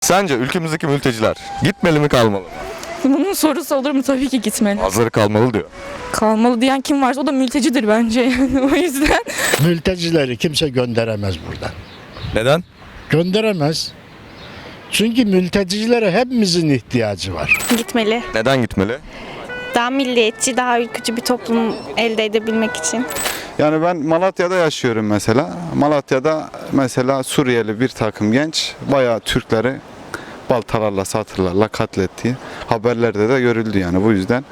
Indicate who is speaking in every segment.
Speaker 1: Sence ülkemizdeki mülteciler gitmeli mi kalmalı mı?
Speaker 2: Bunun sorusu olur mu? Tabii ki gitmeli.
Speaker 1: Bazıları kalmalı diyor.
Speaker 2: Kalmalı diyen kim varsa o da mültecidir bence yani. O yüzden.
Speaker 3: Mültecileri kimse gönderemez buradan.
Speaker 1: Neden?
Speaker 3: Gönderemez. Çünkü mültecilere hepimizin ihtiyacı var.
Speaker 4: Gitmeli.
Speaker 1: Neden gitmeli?
Speaker 4: Daha milliyetçi, daha ülkücü bir toplum elde edebilmek için.
Speaker 5: Yani ben Malatya'da yaşıyorum mesela. Malatya'da mesela Suriyeli bir takım genç bayağı Türkleri baltalarla, satırlarla katlettiği haberlerde de görüldü yani bu yüzden.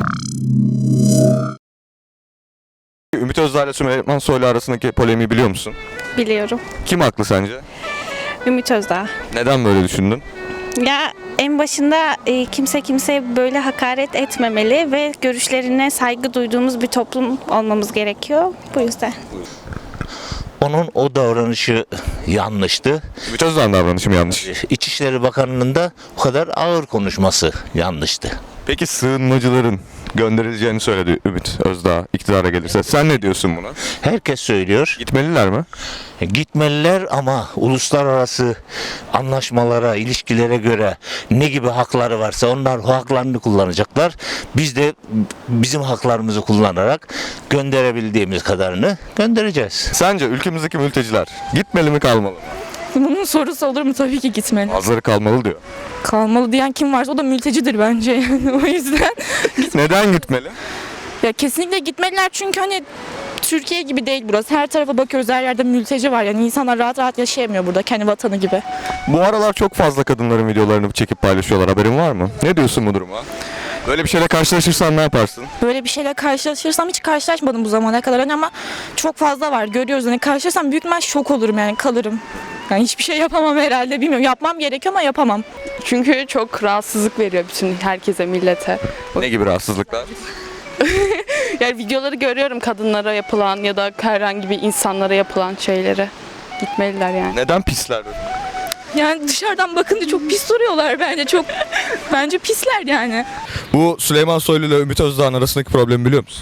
Speaker 1: Ümit Özdağ ile Süleyman Soylu arasındaki polemiği biliyor musun?
Speaker 4: Biliyorum.
Speaker 1: Kim haklı sence?
Speaker 4: Ümit Özdağ.
Speaker 1: Neden böyle düşündün?
Speaker 4: Ya en başında kimse kimseye böyle hakaret etmemeli ve görüşlerine saygı duyduğumuz bir toplum olmamız gerekiyor. Bu yüzden.
Speaker 6: Onun o davranışı yanlıştı.
Speaker 1: Ümit Özdağ'ın davranışı mı yanlış?
Speaker 6: İçişleri Bakanı'nın da o kadar ağır konuşması yanlıştı.
Speaker 1: Peki sığınmacıların gönderileceğini söyledi Ümit Özdağ iktidara gelirse. Sen ne diyorsun buna?
Speaker 6: Herkes söylüyor.
Speaker 1: Gitmeliler mi?
Speaker 6: Gitmeliler ama uluslararası anlaşmalara, ilişkilere göre ne gibi hakları varsa onlar o haklarını kullanacaklar. Biz de bizim haklarımızı kullanarak gönderebildiğimiz kadarını göndereceğiz.
Speaker 1: Sence ülkemizdeki mülteciler gitmeli mi kalmalı mı?
Speaker 2: Bunun sorusu olur mu? Tabii ki gitmeli.
Speaker 1: Bazıları kalmalı diyor.
Speaker 2: Kalmalı diyen kim varsa o da mültecidir bence yani. O yüzden.
Speaker 1: Neden gitmeli?
Speaker 2: Ya kesinlikle gitmeliler çünkü hani Türkiye gibi değil burası. Her tarafa bakıyoruz, her yerde mülteci var. Yani insanlar rahat rahat yaşayamıyor burada kendi vatanı gibi.
Speaker 1: Bu aralar çok fazla kadınların videolarını çekip paylaşıyorlar. Haberin var mı? Ne diyorsun bu duruma? Böyle bir şeyle karşılaşırsan ne yaparsın?
Speaker 2: Böyle bir şeyle karşılaşırsam hiç karşılaşmadım bu zamana kadar hani ama çok fazla var. Görüyoruz hani karşılaşırsam büyük ihtimal şok olurum yani kalırım. Yani hiçbir şey yapamam herhalde bilmiyorum. Yapmam gerekiyor ama yapamam.
Speaker 7: Çünkü çok rahatsızlık veriyor bütün herkese, millete.
Speaker 1: Ne gibi rahatsızlıklar?
Speaker 7: Yani videoları görüyorum kadınlara yapılan ya da herhangi bir insanlara yapılan şeyleri. Gitmeliler yani.
Speaker 1: Neden pisler?
Speaker 2: Yani dışarıdan bakınca çok pis duruyorlar bence. Bence pisler yani.
Speaker 1: Bu Süleyman Soylu ile Ümit Özdağ'ın arasındaki problemi biliyor musun?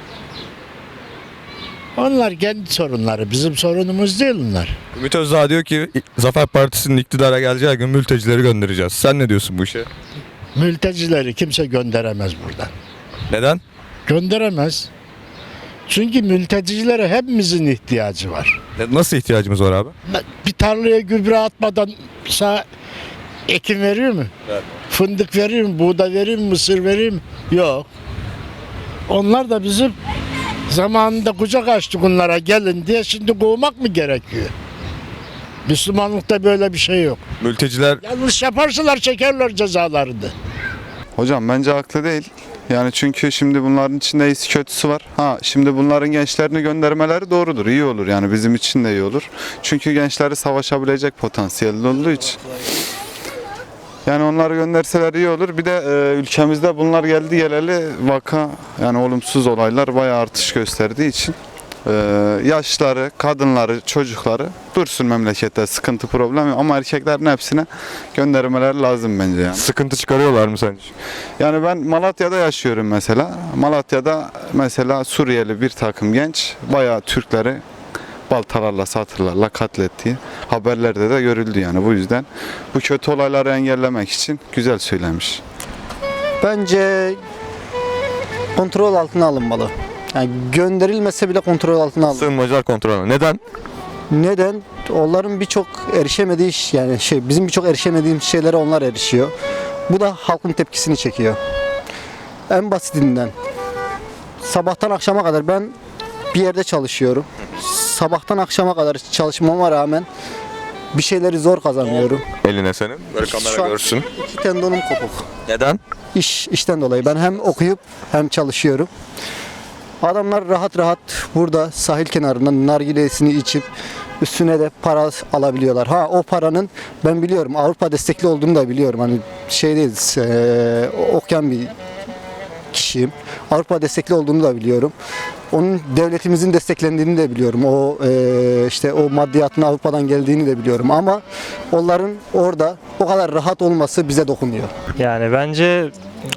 Speaker 3: Onlar kendi sorunları, bizim sorunumuz değil onlar.
Speaker 1: Ümit Özdağ diyor ki Zafer Partisi'nin iktidara geleceği gün mültecileri göndereceğiz. Sen ne diyorsun bu işe?
Speaker 3: Mültecileri kimse gönderemez buradan.
Speaker 1: Neden?
Speaker 3: Gönderemez. Çünkü mültecilere hepimizin ihtiyacı var.
Speaker 1: Nasıl ihtiyacımız var abi?
Speaker 3: Bir tarlaya gübre atmadan sağ ekim veriyor mu?
Speaker 1: Evet.
Speaker 3: Fındık veriyor mu? Buğday veriyor mu? Mısır veriyor mu? Yok. Onlar da bizim zamanında kucak açtık onlara gelin diye şimdi kovmak mı gerekiyor? Müslümanlıkta böyle bir şey yok.
Speaker 1: Mülteciler
Speaker 3: Yanlış yaparsalar çekerler cezalarını.
Speaker 5: Hocam bence haklı değil. Yani çünkü şimdi bunların içinde iyisi kötüsü var. Şimdi bunların gençlerini göndermeleri doğrudur. İyi olur yani bizim için de iyi olur. Çünkü gençleri savaşabilecek potansiyelli olduğu için. Yani onları gönderseler iyi olur. Bir de ülkemizde bunlar geldi geleli vaka yani olumsuz olaylar bayağı artış gösterdiği için yaşlıları, kadınları, çocukları dursun memlekette sıkıntı problemi ama erkeklerin hepsine göndermeleri lazım bence yani.
Speaker 1: sıkıntı çıkarıyorlar mı sence?
Speaker 5: Yani ben Malatya'da yaşıyorum mesela. Malatya'da mesela Suriyeli bir takım genç bayağı Türkleri baltalarla, satırlarla katlettiği haberlerde de görüldü yani bu yüzden. Bu kötü olayları engellemek için güzel söylemiş.
Speaker 8: Bence kontrol altına alınmalı. Yani gönderilmese bile kontrol altına alınmalı.
Speaker 1: Sığınmacılar kontrolü. Neden?
Speaker 8: Neden? Onların birçok erişemediği bizim birçok erişemediğimiz şeylere onlar erişiyor. Bu da halkın tepkisini çekiyor. En basitinden sabahtan akşama kadar ben bir yerde çalışıyorum. Sabahtan akşama kadar çalışmama rağmen bir şeyleri zor kazanıyorum.
Speaker 1: Eline senin. Böyle
Speaker 8: Şu
Speaker 1: kamera
Speaker 8: an
Speaker 1: görsün.
Speaker 8: 2 tendonum kopuk.
Speaker 1: Neden?
Speaker 8: İşten dolayı ben hem okuyup hem çalışıyorum. Adamlar rahat rahat burada sahil kenarında nargilesini içip üstüne de para alabiliyorlar. O paranın ben biliyorum Avrupa destekli olduğunu da biliyorum. Hani şeydeyiz okuyan bir kişiyim. Avrupa destekli olduğunu da biliyorum. Onun devletimizin desteklendiğini de biliyorum. O maddiyatın Avrupa'dan geldiğini de biliyorum. Ama onların orada o kadar rahat olması bize dokunuyor.
Speaker 9: Yani bence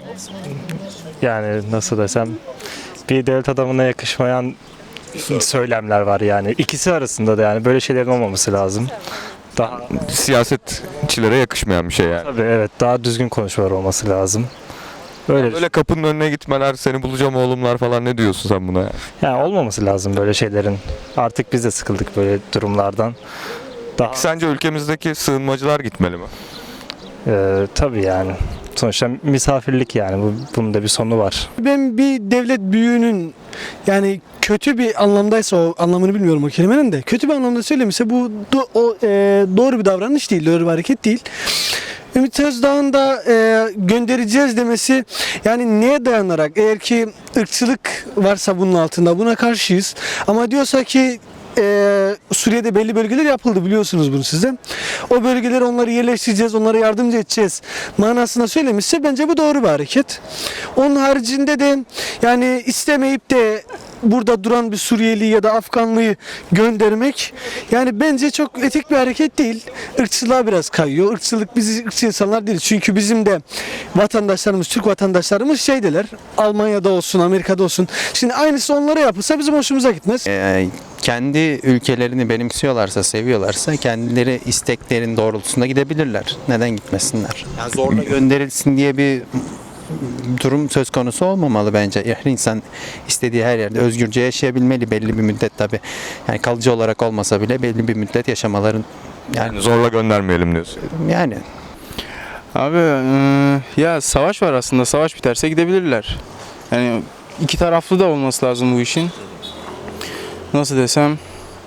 Speaker 9: nasıl desem bir devlet adamına yakışmayan söylemler var yani. İkisi arasında da yani böyle şeylerin olmaması lazım. Daha
Speaker 1: Siyasetçilere yakışmayan bir şey yani.
Speaker 9: tabii evet daha düzgün konuşmalar olması lazım. Öyle
Speaker 1: Böyle kapının önüne gitmeler, seni bulacağım oğlumlar falan, ne diyorsun sen buna?
Speaker 9: yani olmaması lazım böyle şeylerin. Artık biz de sıkıldık böyle durumlardan. Daha
Speaker 1: Sence ülkemizdeki sığınmacılar gitmeli mi?
Speaker 9: tabii yani. Sonuçta misafirlik yani bunun da bir sonu var.
Speaker 10: Ben bir devlet büyüğünün yani kötü bir anlamdaysa o anlamını bilmiyorum o kelimenin de kötü bir anlamda söylemişse bu doğru bir davranış değil, doğru bir hareket değil. Ümit Özdağ'ın da göndereceğiz demesi yani neye dayanarak eğer ki ırkçılık varsa bunun altında buna karşıyız ama diyorsa ki Suriye'de belli bölgeler yapıldı biliyorsunuz bunu sizden. O bölgeleri onları yerleştireceğiz, onlara yardımcı edeceğiz manasında söylemişse bence bu doğru bir hareket. Onun haricinde de yani istemeyip de burada duran bir Suriyeli ya da Afganlıyı göndermek yani bence çok etik bir hareket değil. Irkçılığa biraz kayıyor. Irkçılık biz ırkçı insanlar değiliz. Çünkü bizim de vatandaşlarımız, Türk vatandaşlarımız şeydeler. Almanya'da olsun, Amerika'da olsun. Şimdi aynısı onlara yapılsa bizim hoşumuza gitmez.
Speaker 11: Kendi ülkelerini benimsiyorlarsa, seviyorlarsa kendileri isteklerin doğrultusunda gidebilirler. Neden gitmesinler? Yani zorla gönderilsin diye bir durum söz konusu olmamalı bence. Her insan istediği her yerde özgürce yaşayabilmeli belli bir müddet tabii. Yani kalıcı olarak olmasa bile belli bir müddet yaşamaların
Speaker 1: Yani zorla göndermeyelim diyorsun.
Speaker 11: yani
Speaker 12: Abi ya savaş var aslında. Savaş biterse gidebilirler. Yani iki taraflı da olması lazım bu işin. Nasıl desem?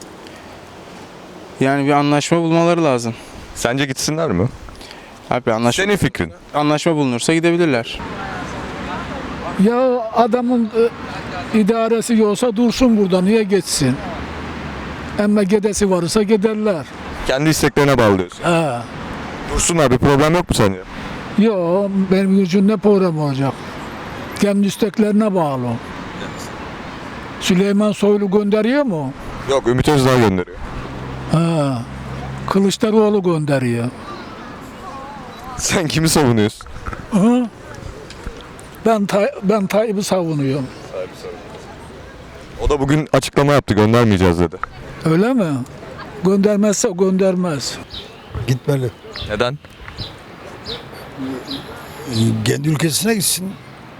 Speaker 12: Yani bir anlaşma bulmaları lazım.
Speaker 1: Sence gitsinler mi?
Speaker 12: Abi
Speaker 1: Senin fikrin.
Speaker 12: anlaşma bulunursa gidebilirler.
Speaker 13: Ya adamın idaresi yoksa dursun burada, niye geçsin? Ama gedesi varsa giderler.
Speaker 1: Kendi isteklerine bağlı diyorsun.
Speaker 13: He.
Speaker 1: Dursunlar, bir problem yok mu sence?
Speaker 13: Yok, benim için ne problem olacak? Kendi isteklerine bağlı. Süleyman Soylu gönderiyor mu?
Speaker 1: Yok, Ümit Özdağ gönderiyor.
Speaker 13: He. Kılıçdaroğlu gönderiyor.
Speaker 1: Sen kimi savunuyorsun?
Speaker 13: Hı? Ben Tayyip'i savunuyorum.
Speaker 1: O da bugün açıklama yaptı, göndermeyeceğiz dedi.
Speaker 13: Öyle mi? Göndermezse göndermez.
Speaker 3: Gitmeli.
Speaker 1: Neden?
Speaker 3: Kendi ülkesine gitsin.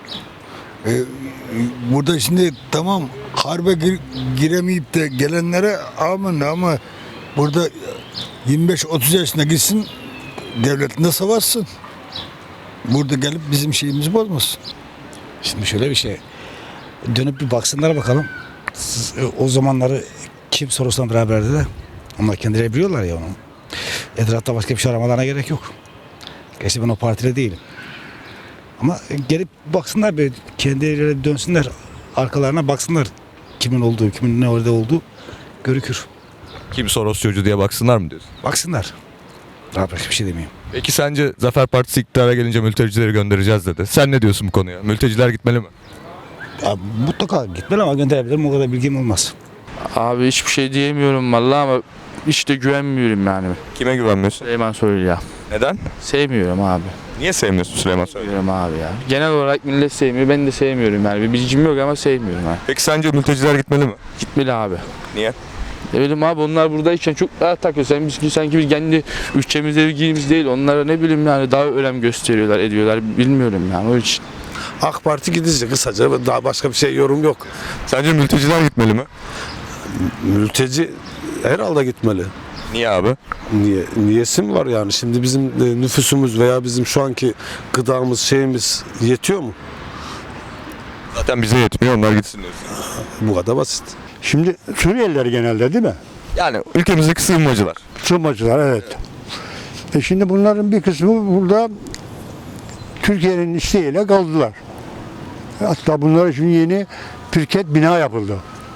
Speaker 3: Burada şimdi tamam harbe giremeyip de gelenlere aman ama burada 25-30 yaşına gitsin devletinde savaşsın. Burada gelip bizim şeyimizi bozmasın.
Speaker 14: Şimdi şöyle bir şey. Dönüp bir baksınlar bakalım. O zamanları kim sorusuna beraberdi de. Onlar kendileri biliyorlar ya onu. Etrafta başka bir şey aramalarına gerek yok. Gerçi ben o partide değilim. Ama gelip baksınlar bir kendileri dönsünler. Arkalarına baksınlar. Kimin olduğu, kimin ne orada olduğu görükür.
Speaker 1: Kim Soros çocuğu diye baksınlar mı diyorsun?
Speaker 14: Baksınlar. Daha başka bir şey demeyeyim.
Speaker 1: Peki sence Zafer Partisi iktidara gelince mültecileri göndereceğiz dedi. Sen ne diyorsun bu konuya? Mülteciler gitmeli mi?
Speaker 14: Ya, mutlaka gitmeli ama gönderebilirim. O kadar bilgim olmaz.
Speaker 12: Abi hiçbir şey diyemiyorum vallahi ama işte güvenmiyorum yani.
Speaker 1: Kime güvenmiyorsun?
Speaker 12: Süleyman Soylu ya.
Speaker 1: Neden?
Speaker 12: Sevmiyorum abi.
Speaker 1: Niye sevmiyorsun Süleyman Soylu'yu?
Speaker 12: Sevmiyorum abi ya. Genel olarak millet sevmiyor. Ben de sevmiyorum yani. Bir bilgim yok ama sevmiyorum ha.
Speaker 1: Peki sence mülteciler gitmeli mi?
Speaker 12: Gitmeli abi.
Speaker 1: Niye?
Speaker 12: Ne bileyim abi onlar buradayken çok daha takıyor. Sanki biz kendi ülkemizde ilgimiz değil. Onlara ne bileyim yani daha önem gösteriyorlar, ediyorlar. Bilmiyorum yani o için.
Speaker 14: AK Parti gidecek kısaca. Daha başka bir şey yorum yok.
Speaker 1: Sence mülteciler gitmeli mi?
Speaker 14: Mülteci herhalde gitmeli.
Speaker 1: Niye abi?
Speaker 14: Niyesi mi var yani? Şimdi bizim nüfusumuz veya bizim şu anki gıdamız şeyimiz yetiyor mu?
Speaker 1: Zaten bize yetmiyor, onlar gitsin diyorsun.
Speaker 14: Bu kadar basit.
Speaker 3: Şimdi Suriyeliler genelde değil mi?
Speaker 1: Yani ülkemizdeki sığınmacılar.
Speaker 3: Sığınmacılar evet. Şimdi bunların bir kısmı burada Türkiye'nin isteğiyle kaldılar. Hatta bunlara şimdi yeni pirket bina yapıldı.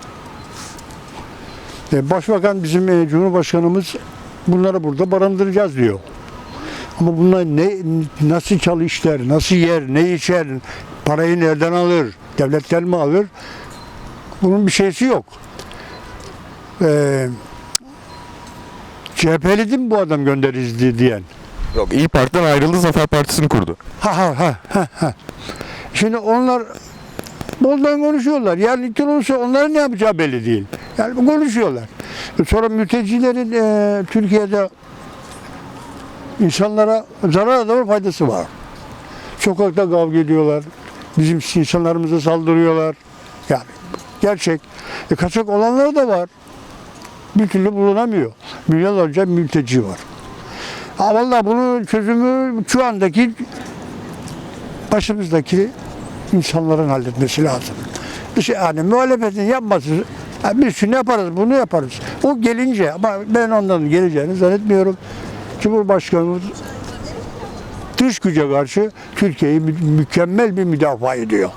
Speaker 3: Başbakan bizim Cumhurbaşkanımız bunları burada barındıracağız diyor. Ama bunlar nasıl çalışır, nasıl yer, ne içer, parayı nereden alır, devletten mi alır? Bunun bir şeysi yok. CHP'li değil mi bu adam göndeririz diyen?
Speaker 1: Yok, İYİ Parti'den ayrıldı, Zafer Partisi'ni kurdu.
Speaker 3: Ha. Şimdi onlar boldan konuşuyorlar. Yarın iktidar olursa onların ne yapacağı belli değil. Yani konuşuyorlar. Sonra mültecilerin Türkiye'de İnsanlara zarar da var, faydası var. Sokakta kavga ediyorlar. Bizim insanlarımıza saldırıyorlar. Yani gerçek. Kaçak olanlar da var. Bir türlü bulunamıyor. Milyonlarca mülteci var. Vallahi bunun çözümü şu andaki başımızdaki insanların halletmesi lazım. Yani muhalefetin yapması, biz şunu yaparız, bunu yaparız. O gelince, ama ben ondan geleceğini zannetmiyorum. Cumhurbaşkanımız dış güce karşı Türkiye'yi mükemmel bir müdafaa ediyor.